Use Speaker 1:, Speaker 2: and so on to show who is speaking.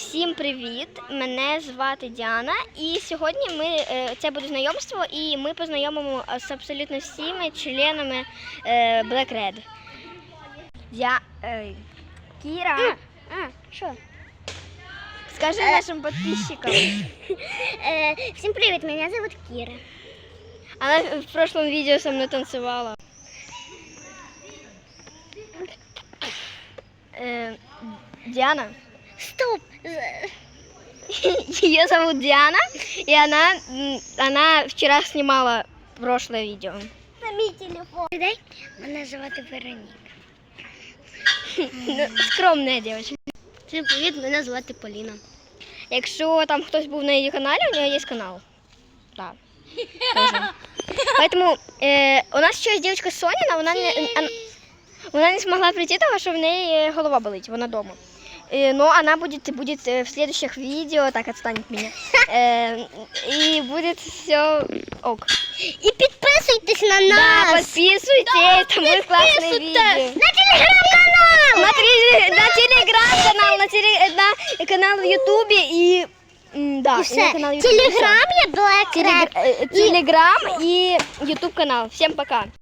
Speaker 1: Всім привіт! Мене звати Діана, і сьогодні це буде знайомство, і ми познайомимо з абсолютно всіми членами Black Red. Кіра,
Speaker 2: Що?
Speaker 1: скажи нашим підписчикам.
Speaker 2: Всім привіт, мене звуть Кіра.
Speaker 1: Она в прошлом видео со мной танцевала. Диана.
Speaker 2: Стоп!
Speaker 1: Ее зовут Диана, и она вчера снимала прошлое видео.
Speaker 2: На мій телефон. Мене звати Вероніка.
Speaker 1: Скромная девочка.
Speaker 2: Всім привіт, мене звати Поліна.
Speaker 1: Якщо там хтось був на її каналі, у нее есть канал. Да. Тоже. Поэтому у нас ще є дівчинка Соня, вона не змогла прийти, тому що в неї голова болить, вона дома. Но она будет в следующих видео, так отстань от меня, и будет все ок.
Speaker 2: І підписуйтесь на нас!
Speaker 1: Да, подписывайтесь, там будет классное видео.
Speaker 2: На телеграм-канал!
Speaker 1: На телеграм-канал, на канал в ютубе и... Да,
Speaker 2: І
Speaker 1: и
Speaker 2: все.
Speaker 1: на канал в ютубе.
Speaker 2: Телеграм є Black Red.
Speaker 1: Телеграм и ютуб канал. Всем пока.